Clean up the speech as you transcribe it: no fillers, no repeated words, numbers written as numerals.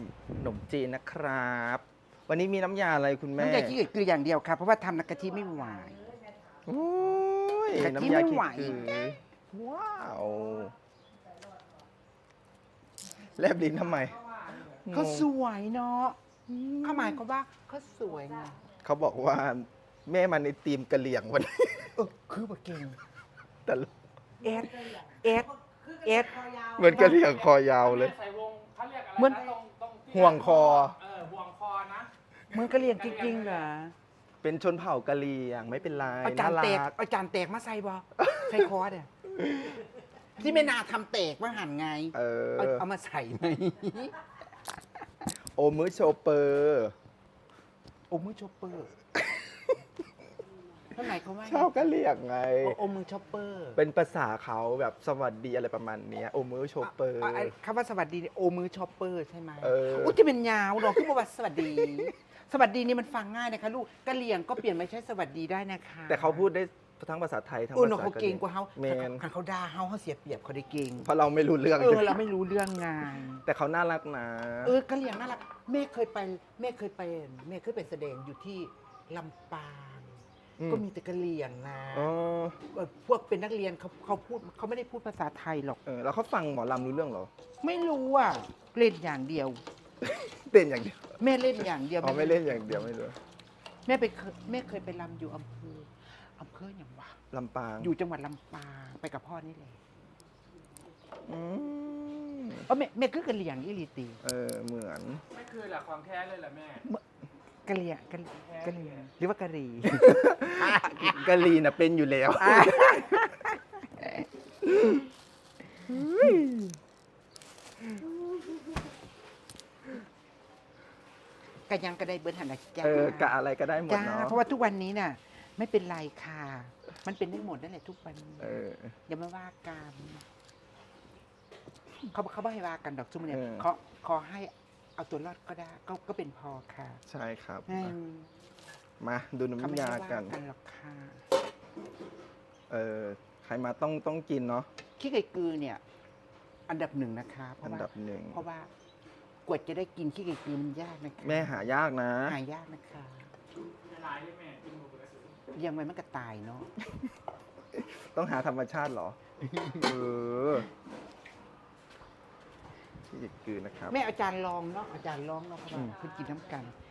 ขนมจีนนะครับ วันนี้มีน้ำยาอะไรคุณแม่น้ำยาขี้เกียจคืออย่างเดียวครับ เพราะว่าทำน้ำกะทิไม่ไหวโอ้ยกะทิน้ำยาไม่ขี้ไหวกือว้าวแลบลิ้นทำไมเขาสงงวยเนาะเขาหมายความว่าเขาสวยไงเขาบอกว่าแม่มาในทีมกะเหลี่ยงวันนี้คือแบบเก่งแต่ละเอสเอสเอสเหมือนกะเหลี่ยงคอยาวเลยใส่วงเขาเรียกอะไรเหมือนนะตรงที่ห่วงคอห่วงคอนะมึงก็เรียนจริงๆเหรอเป็นชนเผ่ากะเหรี่ยงไม่เป็นไรเอาจาน่านแตกรักเอาจานแตกมาใส่บ่ใส่คอร์สเนี่ยที่ไม่นาทำแตกว่าหันไง เอามาใส่ไหมโอมือโชเปอร์โอมือชอปเปอร์เท่าไหร่เขาว่าชาวกะเหรี่ยงไงโอมือชอปเปอร์เป็นภาษาเขาแบบสวัสดีอะไรประมาณเนี้ยโอมือโชเปอร์คำว่าสวัสดีโอมือชอปเปอร์ใช่ไหมโอ้จะเป็นยาวเนาะคือบอกว่าสวัสดี สวัสดีนี่มันฟังง่ายนะคะลูกกะเหรี่ยงก็เปลี่ยนมาใช้สวัสดีได้นะคะแต่เขาพูดได้ทั้งภาษาไทยทั้งโอ้ภาเนาะษาเขาเก่งกว่าเขาแมนคันเขาด่าเขาเสียเปรียบเขาได้เก่งเพราะเราไม่รู้เรื่องเราไม่รู้เรื่องงานแต่เขาน่ารักนะกะเหรี่ยงน่ารักแม่เคยไปแม่เคยไปแสดงอยู่ที่ลำปาง ก็มีแต่กะเหรี่ยงนะอ๋อพวกเป็นนักเรียนเขาพูดเขาไม่ได้พูดภาษาไทยหรอกแล้วเขาฟังหมอลำรู้เรื่องเหรอไม่รู้อ่ะเล่นอย่างเดียวเต้นอย่างเดียวแม่เล่นอย่างเดียวอ๋อไม่เล่นอย่างเดียวไม่รู้แม่เคยไปรำอยู่อำเภออย่างวะลำปางอยู่จังหวัดลำปางไปกับพ่อนี่แหละอืมแม่คือกะเหรี่ยงอีหลีตีเหมือนไม่คือแหละความแท้เลยแหละแม่กะเหรี่ยงกะเหรี่ยงหรือว่ากะหรี่กะลีน่ะเป็นอยู่แล้วกะยังกะได้เบิร์หันนะจ้ากะอะไรก็ได้หมดจ้าเนาะเพราะว่าทุกวันนี้น่ะ ไม่เป็นไรค่ะ มันเป็นได้หมดนั่นแหละทุกวันนี้เอออย่ามาว่ากันเขาไม่ให้ว่ากันดอกจุ่มเนี่ยเออขอให้เอาตัวรอดก็ได้ก็เป็นพอค่ะใช่ครับอืมมาดูเขาไม่น้ำยาให้ว่ากันกันหรอกค่ะใครมาต้องกินเนาะขี้ไก่กือเนี่ย อันดับหนึ่งนะคะเพอัราะนว่าดับหนึ่งเพราะว่ากว่าจะได้กินขี้ไก่กือมันยากนะคะแม่หายากนะหายากนะคะหลายเลยแม่กินหมูกระสือเลี้ยงไว้มันก็ตายเนาะต้องหาธรรมชาติเหรอ ที่จะกืนนะครับแม่อาจารย์ลองเนาะเพราะว่าเพิ่งกินน้ำกัน